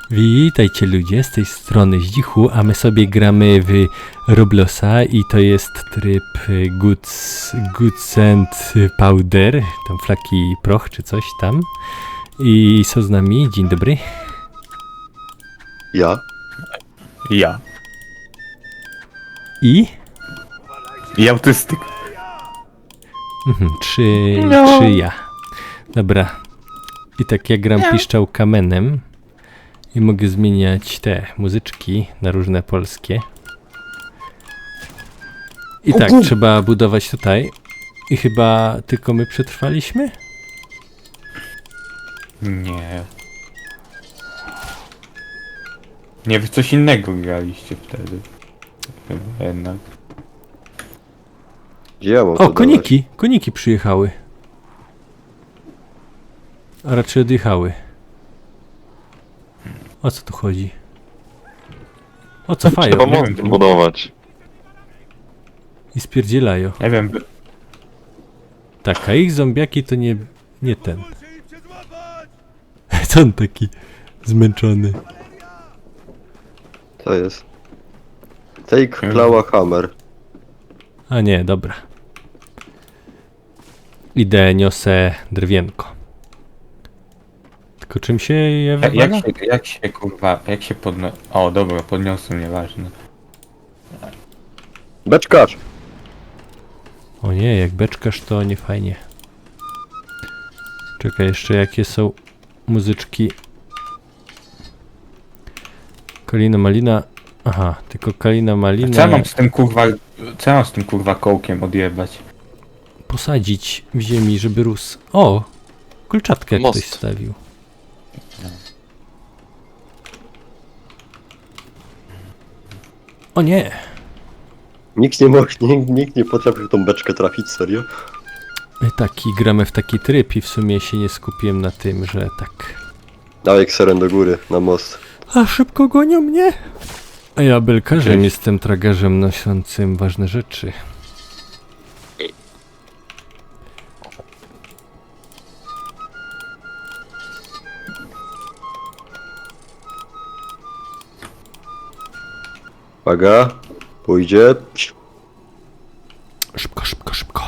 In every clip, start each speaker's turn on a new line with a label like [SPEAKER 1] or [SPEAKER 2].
[SPEAKER 1] Witajcie ludzie, z tej strony Zdzichu, a my sobie gramy w Robloxa i to jest tryb Goods and Powder, tam flaki proch czy coś tam. I są z nami, dzień dobry.
[SPEAKER 2] Ja?
[SPEAKER 3] Ja.
[SPEAKER 1] I?
[SPEAKER 3] I autystyk.
[SPEAKER 1] Trzy ja. Dobra. I tak ja gram piszczał kamenem. I mogę zmieniać te muzyczki na różne polskie. I tak, trzeba budować tutaj. I chyba tylko my przetrwaliśmy?
[SPEAKER 3] Nie. Nie, wy coś innego graliście wtedy. Chyba jednak.
[SPEAKER 2] Gdzie ja mam to
[SPEAKER 1] O,
[SPEAKER 2] dawać?
[SPEAKER 1] koniki! Koniki przyjechały. A raczej odjechały. O co tu chodzi? O co fają?
[SPEAKER 4] Trzeba most budować.
[SPEAKER 1] I spierdzielają.
[SPEAKER 3] Nie wiem,
[SPEAKER 1] Tak, a ich zombiaki to nie ten. Co on taki zmęczony?
[SPEAKER 2] To jest. Take Klawa Hammer.
[SPEAKER 1] A nie, dobra. Idę, niosę drewnienko. Tylko czym się je wywala?
[SPEAKER 3] jak się podno... O, dobra, podniosłem, nieważne.
[SPEAKER 2] Beczkarz!
[SPEAKER 1] O nie, jak beczkasz to nie fajnie. Czekaj, jeszcze jakie są muzyczki. Kalina Malina. Aha, tylko Kalina Malina.
[SPEAKER 3] Co ja mam z tym kurwa kołkiem odjebać?
[SPEAKER 1] Posadzić w ziemi, żeby rósł. O! Kolczatkę
[SPEAKER 4] Most.
[SPEAKER 1] ktoś stawił. O nie!
[SPEAKER 2] Nikt nie potrafił tą beczkę trafić, serio?
[SPEAKER 1] Taki gramy w taki tryb i w sumie się nie skupiłem na tym, że tak.
[SPEAKER 2] Dawaj kseren do góry, na most.
[SPEAKER 1] A szybko gonią mnie! A ja belkarzem jestem tragarzem noszącym ważne rzeczy.
[SPEAKER 2] Uwaga, pójdzie.
[SPEAKER 1] Szybko, szybko, szybko.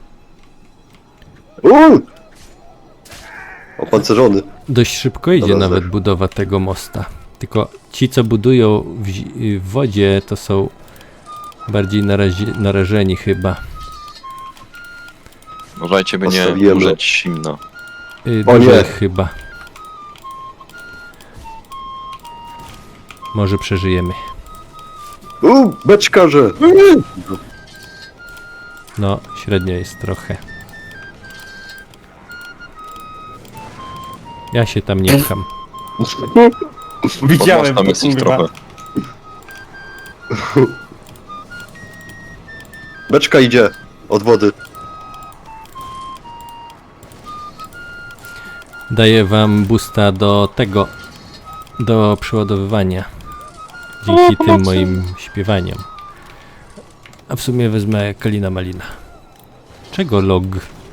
[SPEAKER 2] Opancerzony.
[SPEAKER 1] Dość szybko idzie
[SPEAKER 2] Dobra,
[SPEAKER 1] nawet
[SPEAKER 2] zeszło.
[SPEAKER 1] budowa tego mosta. Tylko ci, co budują w wodzie, to są bardziej narażeni chyba.
[SPEAKER 4] Uważajcie, by nie
[SPEAKER 2] Postawiłem
[SPEAKER 4] umrzeć zimno.
[SPEAKER 2] O
[SPEAKER 1] Dużo
[SPEAKER 2] nie.
[SPEAKER 1] ich chyba. Może przeżyjemy.
[SPEAKER 2] Beczkarze!
[SPEAKER 1] No, średnio jest trochę. Ja się tam nie pcham.
[SPEAKER 3] Widziałem
[SPEAKER 4] Tam
[SPEAKER 3] to,
[SPEAKER 4] jest ich
[SPEAKER 3] kurwa.
[SPEAKER 4] trochę.
[SPEAKER 2] Beczka idzie od wody.
[SPEAKER 1] Daję wam boosta do tego, do przeładowywania. Dzięki tym moim śpiewaniom. A w sumie wezmę Kalina Malina. Czego log?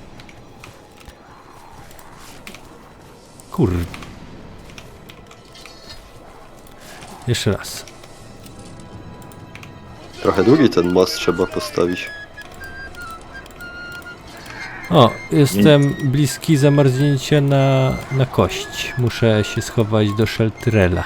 [SPEAKER 1] Kur... Jeszcze raz.
[SPEAKER 2] Trochę długi ten most trzeba postawić.
[SPEAKER 1] O, jestem bliski zamarznięcia na kość. Muszę się schować do shelterela.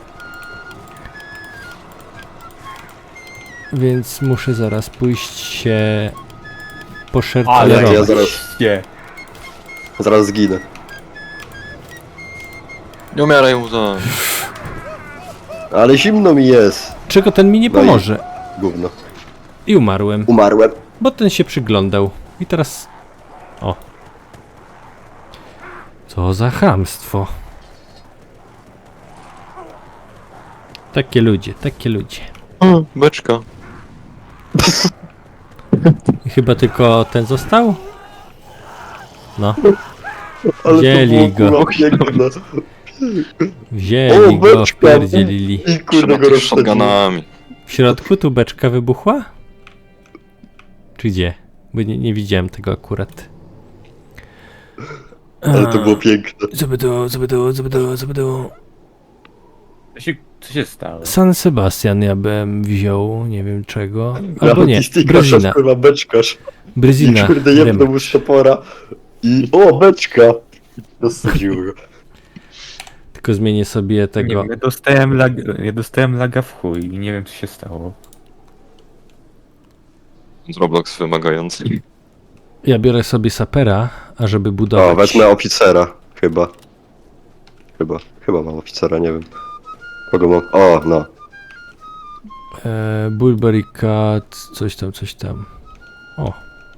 [SPEAKER 1] Więc muszę zaraz pójść się
[SPEAKER 3] Ale
[SPEAKER 1] poszelterować.
[SPEAKER 2] ja zaraz-
[SPEAKER 3] Nie.
[SPEAKER 2] Zaraz zginę.
[SPEAKER 4] Nie umieraj mu to.
[SPEAKER 2] Ale zimno mi jest.
[SPEAKER 1] Czego ten mi nie
[SPEAKER 2] No i-
[SPEAKER 1] pomoże?
[SPEAKER 2] Gówno.
[SPEAKER 1] I umarłem,
[SPEAKER 2] Umarłem.
[SPEAKER 1] bo ten się przyglądał. I teraz... O. Co za chamstwo. Takie ludzie, takie ludzie.
[SPEAKER 4] Beczka.
[SPEAKER 1] I chyba tylko ten został? No,
[SPEAKER 2] Ale
[SPEAKER 1] Wzięli
[SPEAKER 2] to było,
[SPEAKER 1] go.
[SPEAKER 2] kurwa, piękne.
[SPEAKER 1] wzięli
[SPEAKER 2] O,
[SPEAKER 1] go,
[SPEAKER 2] beczka.
[SPEAKER 1] wpierdzielili.
[SPEAKER 2] I
[SPEAKER 4] Trzeba
[SPEAKER 2] kurde go
[SPEAKER 4] tych
[SPEAKER 2] rozsadziłem.
[SPEAKER 4] shotgunami.
[SPEAKER 1] W środku tu beczka wybuchła? Czy gdzie? Bo nie widziałem tego akurat.
[SPEAKER 2] Ale to było piękne.
[SPEAKER 1] Zabydu.
[SPEAKER 3] Co się stało?
[SPEAKER 1] San Sebastian ja bym wziął, nie wiem czego. Albo nie,
[SPEAKER 2] Autystyka,
[SPEAKER 1] Brezina.
[SPEAKER 2] kurwa, beczkarz. I
[SPEAKER 1] Brezina.
[SPEAKER 2] kurde, jedną
[SPEAKER 1] Remek.
[SPEAKER 2] mu z topora. I... O, beczka! Dosadził go.
[SPEAKER 1] Tylko zmienię sobie
[SPEAKER 3] Nie
[SPEAKER 1] tego.
[SPEAKER 3] wiem, ja dostałem laga w chuj i nie wiem co się stało.
[SPEAKER 4] Roblox wymagający.
[SPEAKER 1] Ja biorę sobie sapera, ażeby budować.
[SPEAKER 2] O, wezmę oficera. Chyba mam oficera, nie wiem. Kogo mam? O, no.
[SPEAKER 1] Bulberry Cat, coś tam. O.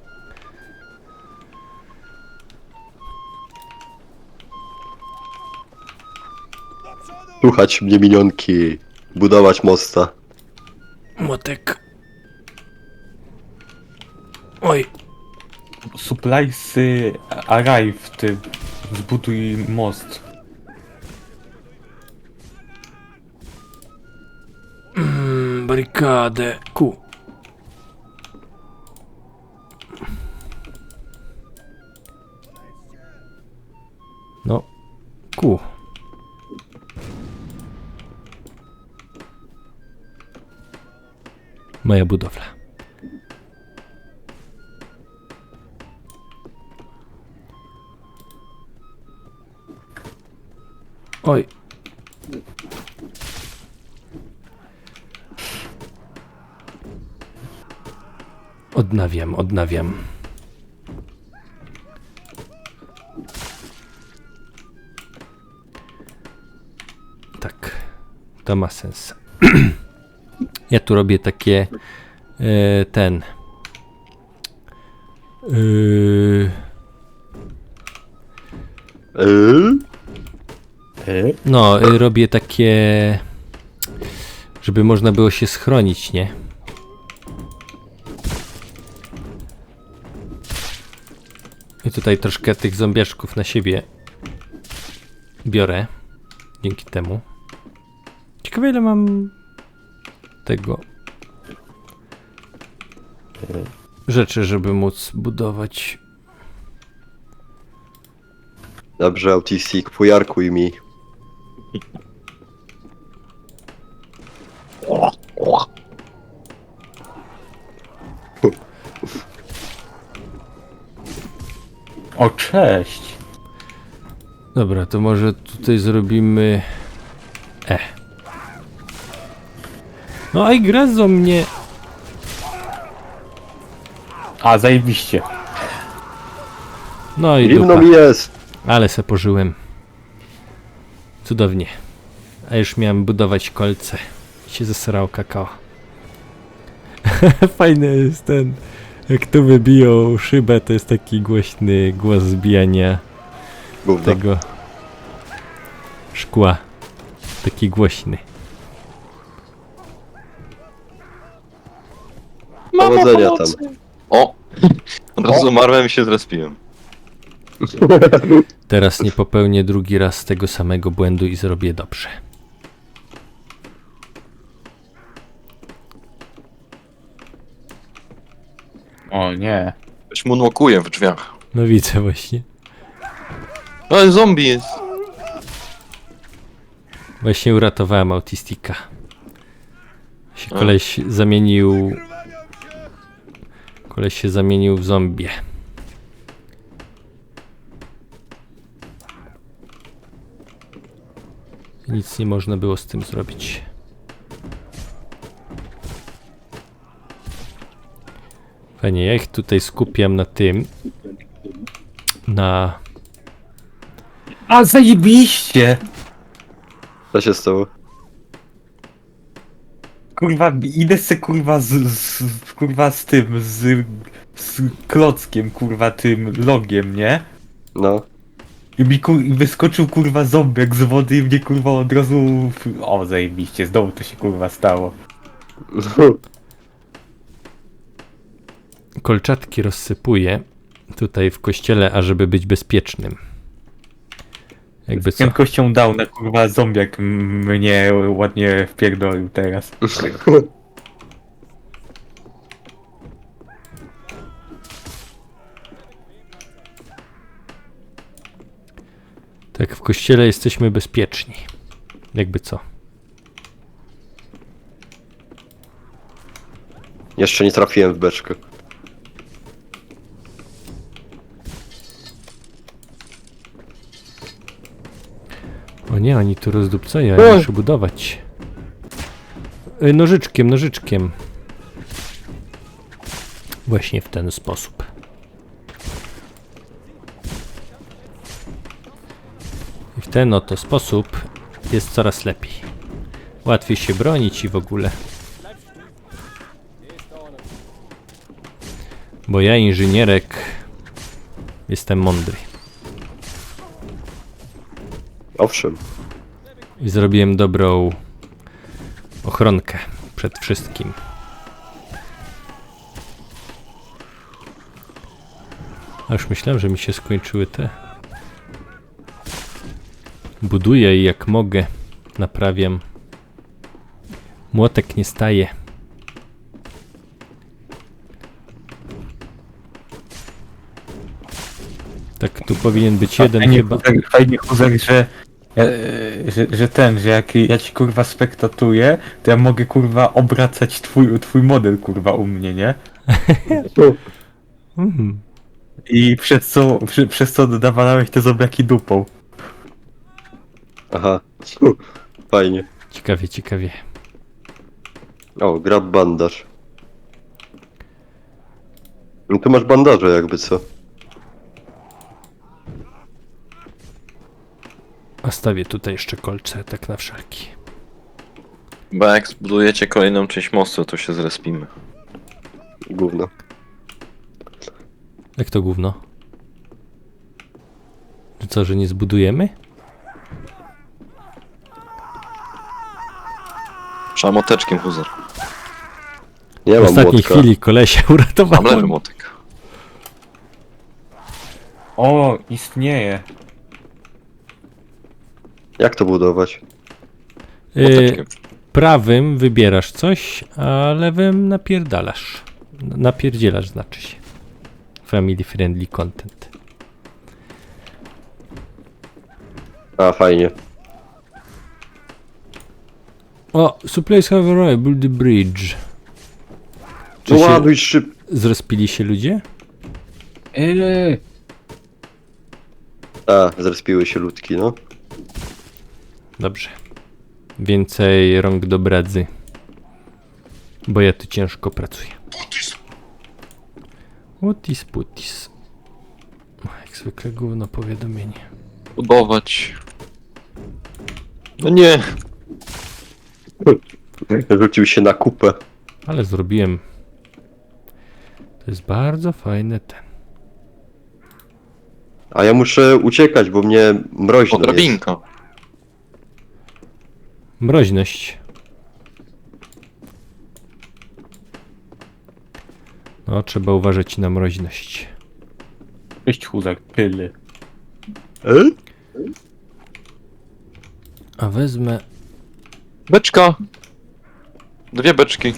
[SPEAKER 2] Słuchać mnie minionki. Budować mosta.
[SPEAKER 1] Młotek. Oj.
[SPEAKER 3] Suppliesy arrive, ty zbuduj most.
[SPEAKER 1] Barykadę. Ku. No. Ku. Moja budowla. Oj. Odnawiam. Tak, to ma sens. Ja tu robię takie ten. No, robię takie, żeby można było się schronić, nie? I tutaj troszkę tych zombiaszków na siebie biorę. Dzięki temu. Ciekawe ile mam tego rzeczy, żeby móc budować.
[SPEAKER 2] Dobrze, Autistik, fujarkuj mi.
[SPEAKER 3] O, cześć!
[SPEAKER 1] Dobra, to może tutaj zrobimy... No i gryzą mnie.
[SPEAKER 3] A, zajebiście.
[SPEAKER 1] No i
[SPEAKER 2] Zimno
[SPEAKER 1] dupa.
[SPEAKER 2] mi jest.
[SPEAKER 1] Ale se pożyłem. Cudownie. A już miałem budować kolce. I się zesrał kakao. Fajny jest ten. Jak tu wybiją szybę, to jest taki głośny głos zbijania
[SPEAKER 2] Gówno.
[SPEAKER 1] tego szkła. Taki głośny.
[SPEAKER 2] Powodzenia tam.
[SPEAKER 4] O! Od razu umarłem i się zrespiłem.
[SPEAKER 1] Teraz nie popełnię drugi raz tego samego błędu i zrobię dobrze.
[SPEAKER 3] O nie.
[SPEAKER 4] Ktoś moonwalkuje w drzwiach.
[SPEAKER 1] No widzę właśnie.
[SPEAKER 4] Ale zombie jest.
[SPEAKER 1] Właśnie uratowałem autistika. Się
[SPEAKER 4] A.
[SPEAKER 1] koleś zamienił... Koleś się zamienił w zombie. Nic nie można było z tym zrobić. Fajnie, ja ich tutaj skupiam na tym. Na...
[SPEAKER 3] A, zajebiście!
[SPEAKER 2] Co się stało?
[SPEAKER 3] Kurwa, idę se kurwa kurwa z tym, z klockiem, kurwa tym logiem, nie?
[SPEAKER 2] No.
[SPEAKER 3] I mi i wyskoczył kurwa zombiak z wody i mnie kurwa od razu... O, zajebiście, znowu to się kurwa stało.
[SPEAKER 1] Kolczatki rozsypuję tutaj w kościele, ażeby być bezpiecznym. Jakby
[SPEAKER 3] Z
[SPEAKER 1] co?
[SPEAKER 3] prędkością dał na kurwa zombiak mnie ładnie wpierdolił teraz.
[SPEAKER 1] Tak, w kościele jesteśmy bezpieczni. Jakby co?
[SPEAKER 2] Jeszcze nie trafiłem w beczkę.
[SPEAKER 1] O nie, oni tu rozdupcają, ja muszę budować. Nożyczkiem, nożyczkiem. Właśnie w ten sposób. I w ten oto sposób jest coraz lepiej. Łatwiej się bronić i w ogóle. Bo ja, inżynierek, jestem mądry.
[SPEAKER 2] Owszem.
[SPEAKER 1] I zrobiłem dobrą ochronkę przed wszystkim. A już myślałem, że mi się skończyły te. Buduję i jak mogę naprawiam. Młotek nie staje. Tak, tu powinien być jeden
[SPEAKER 3] Fajnie,
[SPEAKER 1] chyba.
[SPEAKER 3] Fajnie, Huzek, że jak ja ci kurwa spektatuję, to ja mogę kurwa obracać twój model kurwa u mnie, nie?
[SPEAKER 1] Mhm.
[SPEAKER 3] I przez co dodawałeś te zobraki dupą.
[SPEAKER 2] Aha. Fajnie.
[SPEAKER 1] Ciekawie, ciekawie.
[SPEAKER 2] O, grab bandaż. No tu masz bandaże jakby co.
[SPEAKER 1] A stawię tutaj jeszcze kolce, tak na wszelki.
[SPEAKER 4] Bo jak zbudujecie kolejną część mostu, to się zrespimy.
[SPEAKER 2] Gówno.
[SPEAKER 1] Jak to gówno? Że co, że nie zbudujemy?
[SPEAKER 4] Trzeba moteczkiem, Huzer.
[SPEAKER 2] Nie
[SPEAKER 1] W
[SPEAKER 2] mam
[SPEAKER 1] ostatniej
[SPEAKER 2] młotka.
[SPEAKER 1] chwili kolesia
[SPEAKER 4] Mam lewy
[SPEAKER 1] uratowałem.
[SPEAKER 4] motek.
[SPEAKER 3] O, istnieje.
[SPEAKER 2] Jak to budować?
[SPEAKER 4] Moteczkiem.
[SPEAKER 1] Prawym wybierasz coś, a lewym napierdalasz. Napierdzielasz znaczy się. Family friendly content.
[SPEAKER 2] A, fajnie.
[SPEAKER 1] O, supplies have arrived, build the bridge. Czy
[SPEAKER 2] No
[SPEAKER 1] się
[SPEAKER 2] ładuj szyb...
[SPEAKER 1] zrespili się ludzie?
[SPEAKER 2] A, zrespiły się ludki, no.
[SPEAKER 1] Dobrze. Więcej rąk do bradzy. Bo ja tu ciężko pracuję. Utis putis. Jak zwykle gówno powiadomienie.
[SPEAKER 4] Budować. No nie.
[SPEAKER 2] Rzucił się na kupę.
[SPEAKER 1] Ale zrobiłem. To jest bardzo fajne ten.
[SPEAKER 2] A ja muszę uciekać, bo mnie mroźno jest.
[SPEAKER 4] Drabinka.
[SPEAKER 1] Mroźność. No, trzeba uważać na mroźność.
[SPEAKER 3] Cześć Huzek, pyly.
[SPEAKER 1] A wezmę.
[SPEAKER 4] Beczka. 2 beczki.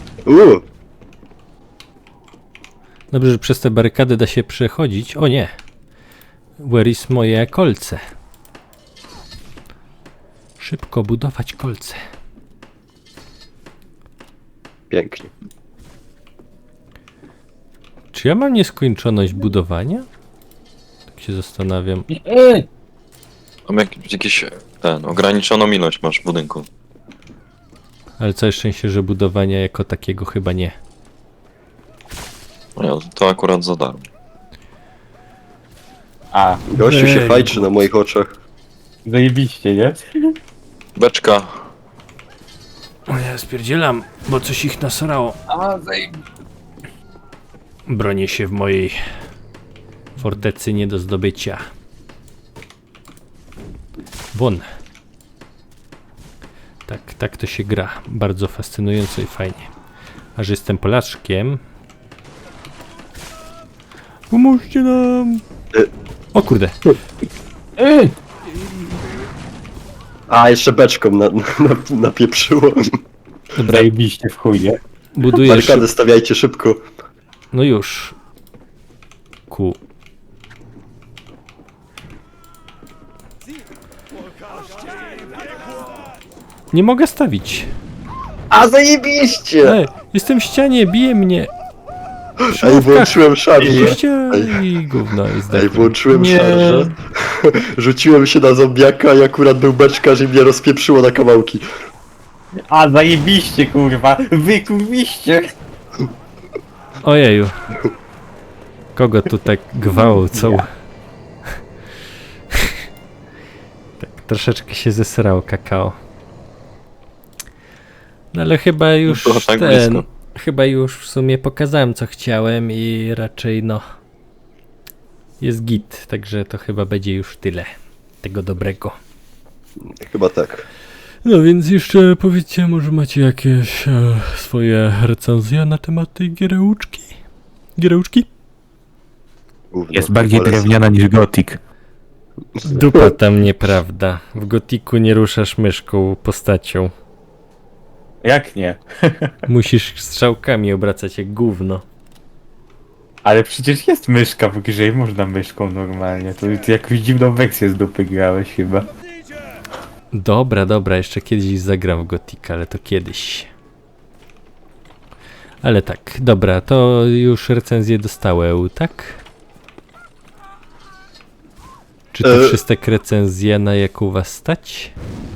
[SPEAKER 1] Dobrze, że przez te barykady da się przechodzić. O nie! Where is moje kolce? Szybko budować kolce.
[SPEAKER 2] Pięknie.
[SPEAKER 1] Czy ja mam nieskończoność budowania? Tak się zastanawiam.
[SPEAKER 4] Mam jakieś ograniczoną ilość masz w budynku.
[SPEAKER 1] Ale całe szczęście, że budowania jako takiego chyba nie.
[SPEAKER 4] No, to akurat za darmo.
[SPEAKER 3] A,
[SPEAKER 2] Gościu się
[SPEAKER 1] Ej.
[SPEAKER 2] fajczy na moich oczach.
[SPEAKER 3] zajebiście, nie?
[SPEAKER 4] Beczka.
[SPEAKER 1] O ja spierdzielam, bo coś ich nasrało.
[SPEAKER 3] A,
[SPEAKER 1] Bronię się w mojej fortecy nie do zdobycia. Won. Tak to się gra. Bardzo fascynująco i fajnie. A że jestem Polaczkiem... Pomóżcie nam! O kurde.
[SPEAKER 2] A, jeszcze beczką napieprzyło.
[SPEAKER 1] Dobra,
[SPEAKER 3] Zajebiście w chuj, nie?
[SPEAKER 1] buduję
[SPEAKER 2] Barykady stawiajcie szybko.
[SPEAKER 1] No już. Ku. Nie mogę stawić.
[SPEAKER 2] A, zajebiście!
[SPEAKER 1] Jestem w ścianie, bije mnie!
[SPEAKER 2] Ej, włączyłem szarżę.
[SPEAKER 1] I gówno, i
[SPEAKER 2] Ej,
[SPEAKER 1] zdechłem.
[SPEAKER 2] włączyłem
[SPEAKER 3] Nie.
[SPEAKER 2] szarżę. Rzuciłem się na zombiaka i akurat był beczkarz i mnie rozpieprzyło na kawałki.
[SPEAKER 3] A, zajebiście, kurwa! Wy kurwiście!
[SPEAKER 1] Ojeju. Kogo tu tak gwałcą? Tak, troszeczkę się zesrało kakao. No ale chyba już
[SPEAKER 4] Było tak
[SPEAKER 1] ten...
[SPEAKER 4] blisko.
[SPEAKER 1] Chyba już w sumie pokazałem co chciałem i raczej no... Jest git, także to chyba będzie już tyle. Tego dobrego.
[SPEAKER 2] Chyba tak.
[SPEAKER 1] No więc jeszcze powiedzcie, może macie jakieś swoje recenzje na temat tej giereuczki? Giereuczki?
[SPEAKER 2] Gówno,
[SPEAKER 5] Jest bardziej
[SPEAKER 2] polecam.
[SPEAKER 5] drewniana niż gotik.
[SPEAKER 1] Dupa tam nieprawda. W gotiku nie ruszasz myszką postacią.
[SPEAKER 3] Jak nie?
[SPEAKER 1] Musisz strzałkami obracać jak gówno.
[SPEAKER 3] Ale przecież jest myszka w grze i można myszką normalnie. To ty jakąś dziwną wersję z dupy grałeś chyba.
[SPEAKER 1] Dobra, dobra, jeszcze kiedyś zagram w gotika, ale to kiedyś. Ale tak, dobra, to już recenzję dostałem, tak? Czy to wszystkie recenzje, na jak u was stać?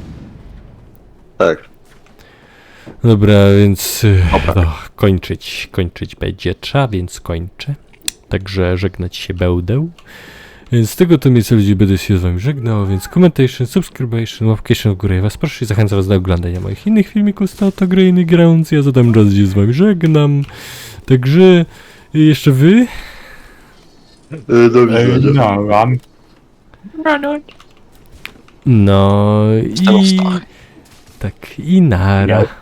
[SPEAKER 2] Tak.
[SPEAKER 1] Dobra, więc no, kończyć będzie trzeba, więc kończę. Także żegnać się będę. Więc z tego to mnie co ludzi będę się z wami żegnał, więc commentation, subscription, łapcation w górę. Ja was proszę i zachęcam was do oglądania moich innych filmików z Tato Grainy Grounds. Ja zadam raz gdzie z wami żegnam. Także jeszcze wy?
[SPEAKER 2] Do widzenia.
[SPEAKER 3] No, mam.
[SPEAKER 1] No i...
[SPEAKER 4] Stał.
[SPEAKER 1] Tak, i nara.